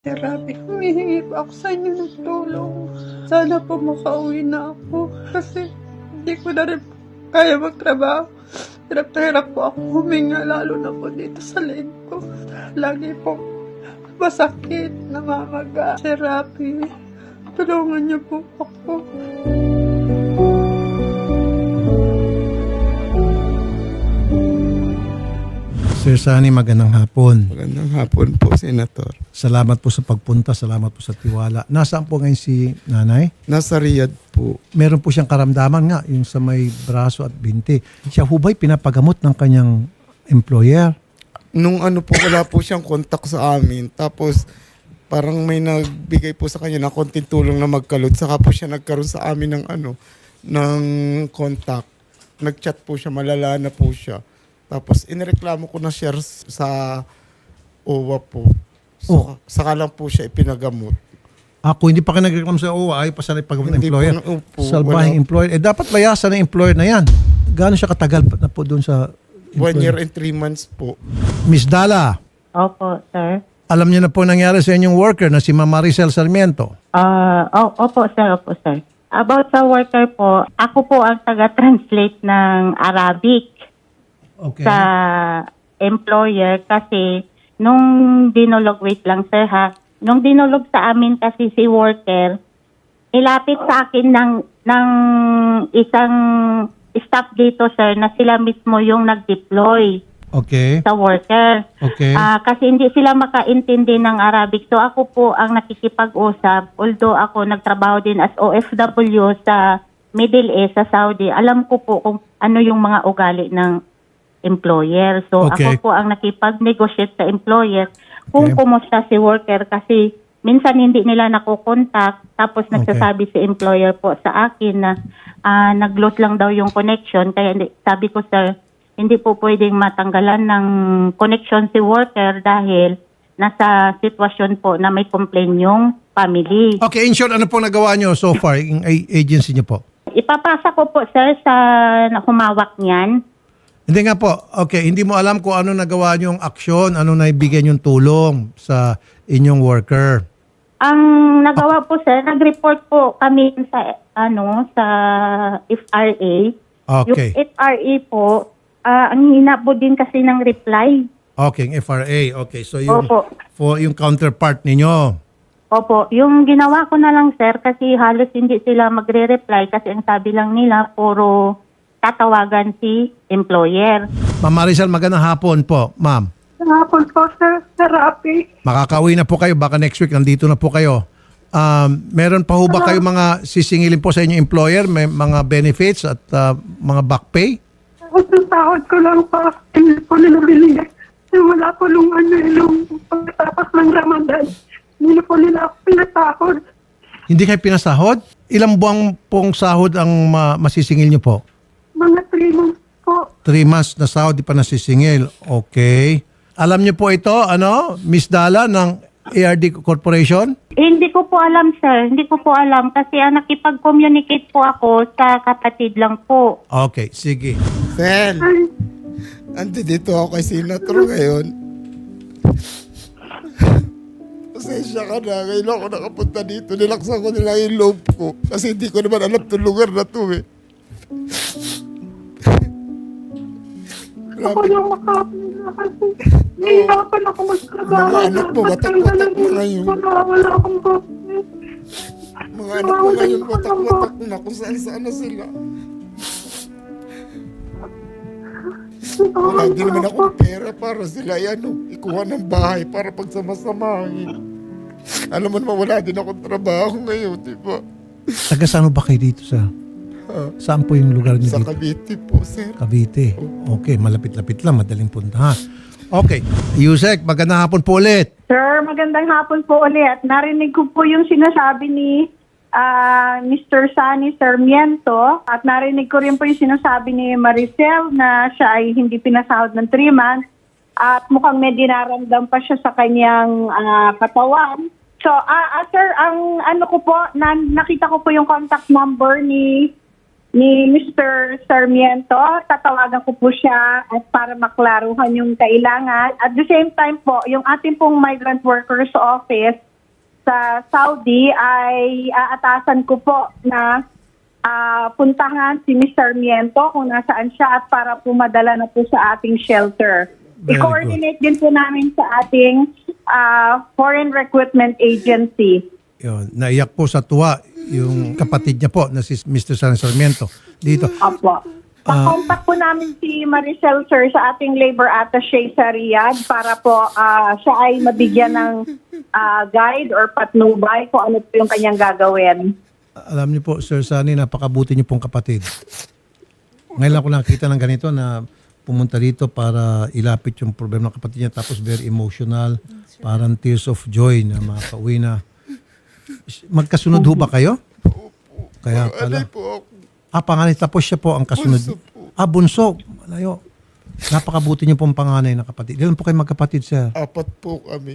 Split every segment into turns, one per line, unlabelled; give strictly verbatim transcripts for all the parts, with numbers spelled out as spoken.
Therapy. Humihingi po ako sa inyo ng tulong. Sana po makauwi na ako kasi hindi ko na rin kaya magtrabaho. Hirap na hirap po ako huminga, lalo na po dito sa leeg ko. Lagi po masakit, namamaga. Therapy. Tulungan niyo po ako.
Sir Sunny, magandang hapon.
Magandang hapon po, Senator.
Salamat po sa pagpunta, salamat po sa tiwala. Nasaan po ngayon si nanay?
Nasa Riyadh po.
Meron po siyang karamdaman nga, yung sa may braso at binti. Siya ho ba'y pinapagamot ng kanyang employer?
Nung ano po, wala po siyang kontak sa amin. Tapos, parang may nagbigay po sa kanya ng konting tulong na magkalot. Saka po siya nagkaroon sa amin ng ano, ng contact. Nag-chat po siya, malala na po siya. Tapos, inireklamo ko na siya sa O W A po. So,
Oh.
Saka lang po siya ipinagamot.
Ako, hindi pa kayo nagreklamo sa O W A, ay pa sana ipagamot ng
Hindi po
employer.
na- opo,
Salbahing
wala.
employer. Eh, dapat layasan ng employer na yan. Gaano siya katagal na po doon sa
One year
employer?
and three months po.
Miss Dala,
Opo, sir.
alam niyo na po nangyari sa inyong worker na si Mama Maricel Sarmiento.
Ah, oh, opo, sir, opo, sir. About sa worker po, ako po ang taga-translate ng Arabic
Okay.
sa employer kasi nung dinolog, wait lang, sir, ha? Nung dinolog sa amin kasi si worker, ilapit sa akin ng, ng isang staff dito, sir, na sila mismo yung nag-deploy
Okay.
sa worker.
Okay.
Ah, kasi hindi sila makaintindi ng Arabic. So ako po ang nakikipag-usap. Although ako nagtrabaho din as O F W sa Middle East, sa Saudi, alam ko po kung ano yung mga ugali ng employer. So
Okay.
ako po ang nakipag-negotiate sa employer kung
Okay.
kumusta si worker kasi minsan hindi nila nakukontak tapos
Okay.
nagsasabi si employer po sa akin na ah, nag-lose lang daw yung connection. Kaya hindi- sabi ko, sir, hindi po pwedeng matanggalan ng connection si worker dahil nasa sitwasyon po na may complaint yung family.
Okay, in short, ano po nagawa niyo so far, yung a- agency niyo po?
Ipapasa ko po, sir, sa na humawak niyan.
Hindi nga po. Okay, hindi mo alam kung ano nagawa niyong aksyon, ano naibigay niyong tulong sa inyong worker.
Ang nagawa po, sir, nag-report po kami sa ano sa F R A.
Okay.
Yung F R A po, ah, ang hina po din kasi ng reply.
Okay, yung F R A. Okay, so yung,
Opo.
for yung counterpart ninyo.
Opo, yung ginawa ko na lang, sir, kasi halos hindi sila magre-reply kasi ang sabi lang nila puro tatawagan si employer.
Ma'am Maricel, magandang hapon po, ma'am.
Hapon po, sir. Therapy.
Makakauwi na po kayo, baka next week nandito na po kayo. Um, meron pa ho ba kayo mga sisingilin po sa inyong employer? May mga benefits at uh, mga back pay?
Tapos yung sahod ko lang pa, hindi po nila binigay. Yung wala po nung ano, nung pagkatapos ng Ramadan, hindi po nila ako pinasahod.
Hindi kayo pinasahod? Ilang buwang pong sahod ang ma- masisingil niyo po?
Mga three months po.
Three months na sahod, di pa nasisingil. Okay. Alam niyo po ito, ano, Miss Dala ng A R D Corporation?
Eh, hindi ko po alam, sir. Hindi ko po alam kasi ah, nakipag-communicate po ako sa kapatid lang po.
Okay, sige.
Sen,
Ay,
andi dito ako kay Senator ngayon. Pasensya ka na. Ngayon ako nakapunta dito. Nilaksan ko nila yung loob ko. Kasi hindi ko naman alam itong lugar na to eh.
ako
Grabe.
lang makapila kasi hihirapan ako magtrabaho.
Mga anak mo, watak-watak mo ngayon.
Wala, wala akong boses.
Mga anak ko ngayon, watak-watak na kung saan-saan na sila. Wala din naman akong pera para sila yan, oh, ikuha ng bahay para pagsamasamahin. Alam mo naman, wala din akong trabaho ngayon, di ba?
Taga saan ba kayo dito, sir? Saan po yung lugar niyo
Sa
dito?
Cavite po, sir.
Cavite. Okay, malapit-lapit lang, madaling puntahan. Okay, Yusek, magandang hapon po ulit.
Sir, magandang hapon po ulit. Narinig ko po yung sinasabi ni ah, Mister Sunny Sarmiento at narinig ko rin po yung sinasabi ni Maricel na siya ay hindi pinasahod ng three months at mukhang may dinaramdam pa siya sa kanyang ah, katawan. So, ah ah, sir, ang ano ko po, na, nakita ko po yung contact number ni ni Mister Sarmiento. Tatawagan ko po siya at para maklaruhan yung kailangan. At the same time po, yung ating pong migrant workers office sa Saudi ay aatasan ko po na ah, puntahan si Miz Sarmiento kung nasaan siya at para po madala na po sa ating shelter.
Very
I-coordinate din po namin sa ating ah, Foreign Recruitment Agency.
Yun. Naiyak po sa tuwa yung kapatid niya po na si Mister San Sarmiento dito.
Opo. Pa-contact po namin si Maricel, sir, sa ating labor attaché sa Riyadh para po ah, siya ay mabigyan ng ah, guide or patnubay kung ano po yung kanyang gagawin.
Alam niyo po, Sir Sunny, napakabuti niyo pong kapatid. Ngayon lang ko nakita ng ganito na pumunta dito para ilapit yung problema ng kapatid niya tapos very emotional, parang tears of joy na makauwi na. Magkasunod ho ba kayo? Kaya pala.
Panganay po ako.
Ah, panganay. Tapos siya po ang kasunod.
Bunso po.
Ah, bunso. Malayo. Napakabuti niyo pong panganay na kapatid. Ilan po kayo magkapatid, sir?
Apat po kami.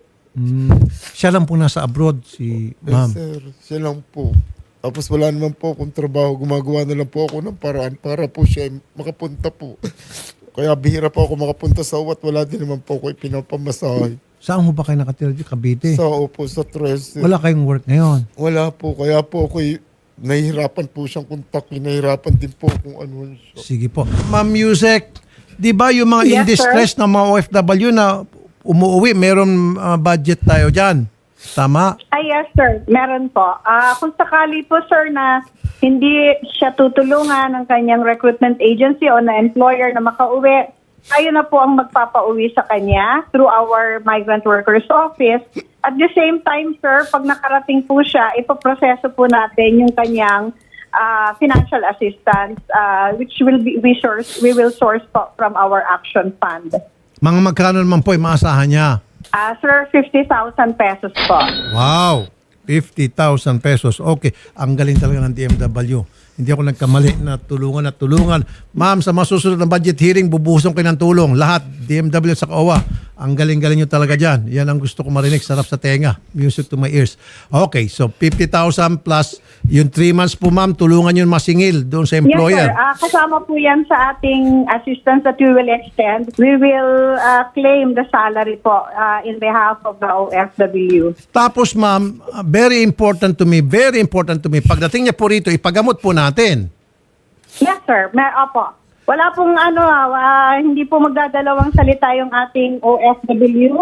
Hmm. Siya lang po nasa abroad, si ma'am.
Yes, sir. Siya lang po. Tapos wala naman po akong trabaho. Gumagawa na lang po ako ng paraan para po siya makapunta po. Kaya bihira po ako makapunta sa uwat. Wala din naman po ako ipinapamasahe.
Saan mo ba kayo nakatira di Cavite?
Sa opo, sa tres.
Wala kayong work ngayon.
Wala po. Kaya po ako nahihirapan po siyang kontakin. Nahihirapan din po kung ano siya.
Sige po. Ma'am Yusek, di ba yung mga
Yes,
in distress na mga O F W na umuwi, meron uh, budget tayo dyan? Tama?
Ay, yes, sir. Meron po. Ah, kung sakali po, sir, na hindi siya tutulungan ng kanyang recruitment agency o na employer na makauwi, tayo na po ang magpapauwi sa kanya through our migrant workers office. At the same time, sir, pag nakarating po siya, ipoproseso po natin yung kanyang ah, financial assistance ah, which will be we source we will source po from our action fund.
Mga magkano naman po yung maasahan niya?
Ah, sir, fifty thousand pesos po.
Wow! fifty thousand pesos. Okay. Ang galing talaga ng D M W. Hindi ako nagkamali na tulungan at tulungan. Ma'am, sa masusunod na budget hearing, bubuhusan ko ng tulong. Lahat, D M W at sa O W A. Ang galing-galing nyo talaga dyan. Yan ang gusto ko marinig. Sarap sa tenga. Music to my ears. Okay, so fifty thousand plus yung three months po, ma'am, tulungan yun masingil doon sa employer.
Yes, sir. Ah, kasama po yan sa ating assistance that we will extend. We will ah, claim the salary po ah, in behalf of the O F W.
Tapos, ma'am, uh, very important to me, very important to me, pagdating niya po rito, ipagamot po natin.
Yes, sir. May, opo. Wala pong ano, ah, hindi po magdadalawang salita yung ating O F W.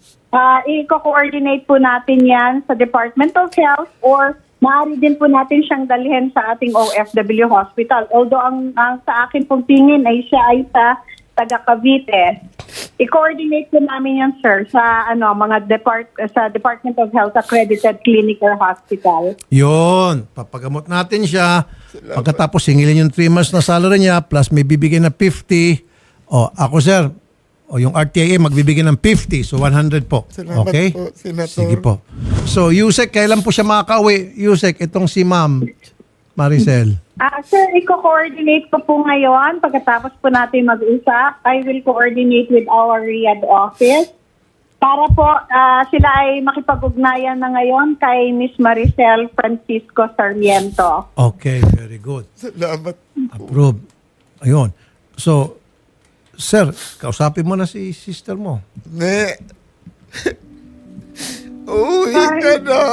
Ah, i-coordinate po natin yan sa Department of Health or maaari din po natin siyang dalhin sa ating O F W hospital. Although ang, ang sa akin pong tingin ay siya ay sa taga Cavite. I-coordinate po namin yan, sir, sa ano mga depart sa Department of Health accredited clinic or hospital.
Yun, papagamot natin siya. Pagkatapos singilin yung three months na salary niya plus may bibigyan na fifty. O, ako sir, o yung R T I A magbibigay ng fifty, so one hundred po.
Salamat
Okay?
po, Senator.
Sige po. So, Yusek, kailan po siya makakauwi? Yusek, itong si Ma'am Maricel.
Ah, sir, i-coordinate ko po ngayon. Pagkatapos po natin mag-usap, I will coordinate with our Riyadh office para po ah, sila ay makipag-ugnayan na ngayon kay Miss Maricel Francisco Sarmiento.
Okay, very good.
Salamat.
Approve. Ayun. So, sir, kausapin mo na si sister mo.
Ne. Uwi ka na.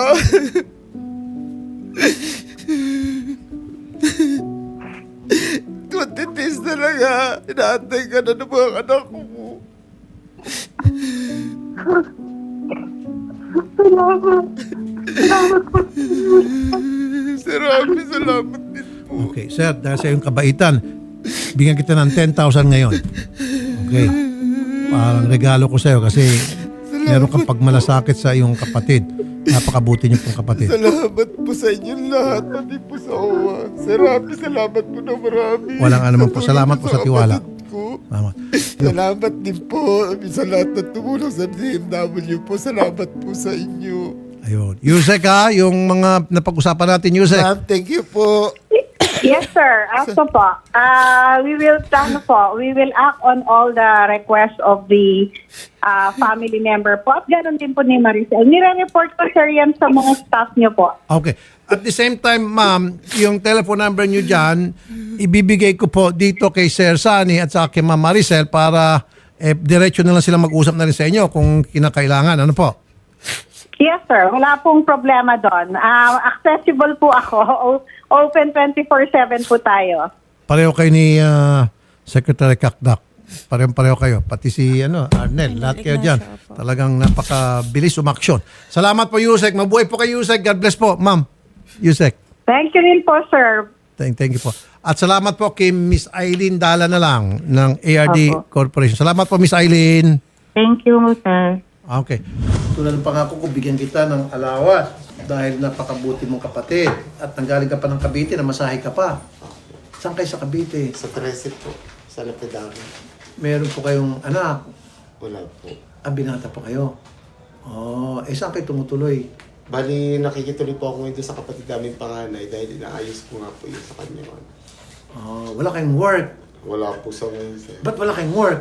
twenty-days na lang ha. Inaantay ka na ng mga anak ko.
Salamat. Salamat po.
Salamat, salamat din po.
Okay, sir, dahil sa iyong kabaitan, bigyan kita ng ten thousand ngayon. Okay. Parang regalo ko sa iyo kasi meron kang pagmalasakit sa iyong kapatid. Napakabuti niyo pong kapatid.
Salamat po sa inyo lahat. Pati po sa O W A. Salamat, salamat po na marami.
Walang ano man po. Salamat po sa tiwala.
kapatid ko.
Salamat.
Salamat din po sa lahat ng tumulong sa D M W po. Salamat po sa inyo.
Ayun. Yusek ha, yung mga napag-usapan natin, Yusek.
Ma'am, thank you po.
Yes, sir. Aso po. Uh, we will ano po, we will act on all the requests of the uh, family member po. At ganoon din po ni Maricel. Nire-report ko, sir, yan sa mga staff niyo po.
Okay. At the same time, ma'am, yung telephone number niyo dyan, ibibigay ko po dito kay Sir Sunny at sa kay Ma'am Maricel para eh, diretso na lang sila mag-usap na rin sa inyo kung kinakailangan. Ano po?
Yes, sir. Wala pong problema doon. Ah, accessible po ako. O- open twenty-four seven po tayo.
Pareho kayo ni ah, Secretary Kakdak. Pareho-pareho kayo. Pati si ano, Arnel. Lahat kayo dyan. Talagang napakabilis umaksyon. Salamat po, Yusek. Mabuhay po kay Yusek. God bless po, ma'am. Yusek.
Thank you rin po, sir.
Thank, thank you po. At salamat po kay Miss Eileen Dala na lang ng A R D
Opo.
Corporation. Salamat po, Miss Eileen.
Thank you, sir.
Okay. Tulad ng pangako ko, bigyan kita ng alawas dahil napakabuti mong kapatid at nanggaling ka pa ng Cavite na masahe ka pa. Saan kayo sa Cavite?
Sa Trece po, sa Lapidari.
Meron po kayong anak.
Wala po.
Ah, binata po kayo. Oh, eh saan kayo tumutuloy?
Bali, nakikituloy po ako ngayon doon sa kapatid namin panganay dahil inaayos ko nga po yun sa kanya.
Oh, wala kayong work.
Wala po sa ngayon, sir.
Ba't wala kayong work?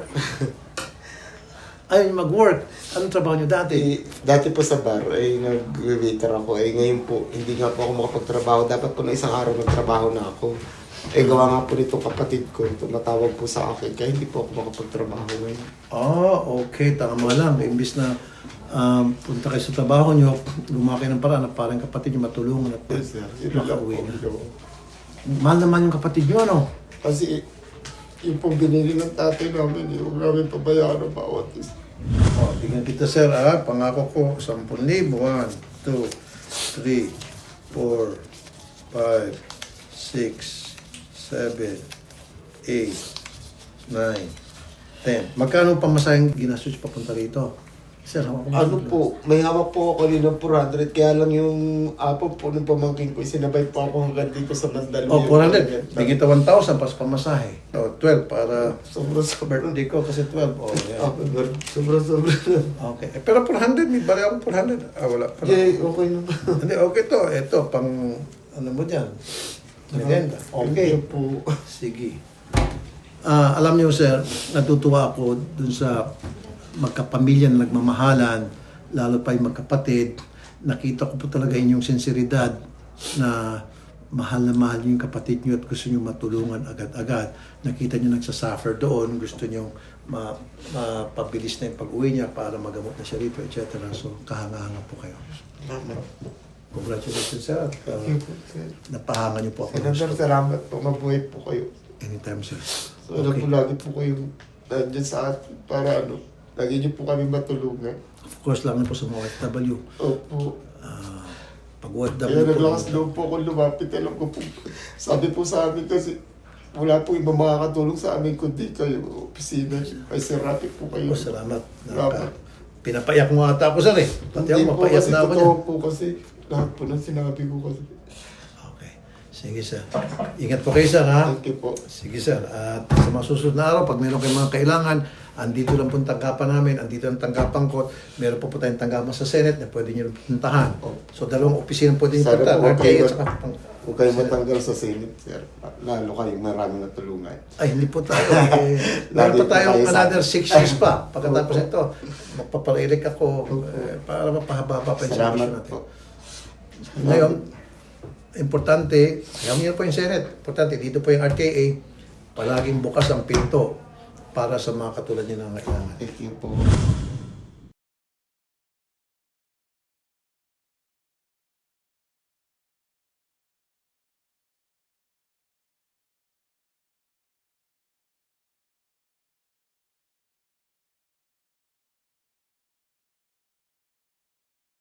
Ayaw niyo mag-work. Anong trabaho niyo dati?
Eh, dati po sa bar, ay nag-waiter ako. Eh, ngayon po, hindi nga po ako makapagtrabaho. Dapat po na isang araw nagtrabaho na ako. Eh, gawa nga po nito kapatid ko. Tumatawag po sa akin. Kaya hindi po ako makapagtrabaho ngayon.
Oh, okay. Tama lang. Imbis na um, punta kayo sa trabaho niyo, lumaki ng paraan na parang kapatid niyo matulungan at
Yes, sir. Yun lang po.
makauwi na.
Yun.
Mahal naman yung kapatid niyo, ano?
Kasi, yung pong binili ng tatay namin, yung namin pabayaan ng bawat isa.
Oh, tingnan kita, sir, ah. Pangako ko, sampung libo. one, two, three, four, five, six, seven, eight, nine, ten. Magkano pa masayang ginastos papunta rito? Sir, hawak ko.
Ano po, may hawak po ako kanina ng four hundred, kaya lang yung apo po ng pamangking ko, sinabay po ako hanggang dito sa Mandaluyong.
Oh, four hundred. Bigyan kita one thousand pas pamasahe. Oh, twelve para
Sobra-sobra.
birthday ko kasi twelve. Oh, yeah.
Sobra-sobra.
Okay. Eh, pero four hundred, may bari ako four hundred. Ah, wala. Pala.
Yeah, okay na po.
Hindi, okay to. Ito, pang, ano mo dyan? Merienda. Okay.
Thank you po.
Sige. Ah, alam niyo, sir, natutuwa ako dun sa magkapamilya na nagmamahalan, lalo pa yung magkapatid. Nakita ko po talaga inyong sinseridad na mahal na mahal niyo yung kapatid niyo at gusto niyo matulungan agad-agad. Nakita niyo nagsasuffer doon, gusto niyo ma mapabilis na yung pag-uwi niya para magamot na siya rito, et cetera. So, kahanga-hanga po kayo. Congratulations, sir. At, uh,
Thank you po, sir.
napahanga niyo po ako. ng
Senator,
gusto.
salamat po. Mabuhay po kayo.
Anytime, sir.
So, alam po lagi po kayong nandiyan sa atin para ano, lagi niyo po kami matulungan.
Of course, lang po sa mga O F W.
Opo.
Ah, pag O F W
Kaya
po,
naglakas loob po ako lumapit. Alam ko po, sabi po sa amin kasi wala po ibang makakatulong sa amin kundi kayo, opisina. Ay, Sir Rafi po kayo.
oh, salamat.
Salamat.
Naka, pinapayak mo ata ako, sir eh. Pati
Hindi
ako,
po
mapayak
kasi
na ako
totoo
niyan.
po kasi lahat po ng sinabi ko kasi.
Okay. Sige, sir. Ingat po kayo, sir, ha?
Thank you po.
Sige, sir. At sa mga susunod na araw, pag meron kayong mga kailangan, andito lang po ang tanggapan namin, andito ang tanggapan ko. Meron po po tayong tanggapan sa Senate na pwede nyo puntahan. So, dalawang opisina pwede nyo
Sana
puntahan.
po huwag
R T A
kayo,
at saka pang-
huwag kayo matanggal sa Senate, sir. Lalo kayong maraming natulungan.
Ay, hindi po tayo. Eh, meron pa
Lagi po
tayong
tayo sa-
another six years pa. Pagkatapos ito, magpaparelik ako eh, para mapahaba pa yung
Salamat
servisyo natin.
po.
Ngayon, importante, alam niyo po yung Senate, importante, dito po yung R T A, palaging bukas ang pinto para sa mga katulad niyo na kailangan.
Thank you po.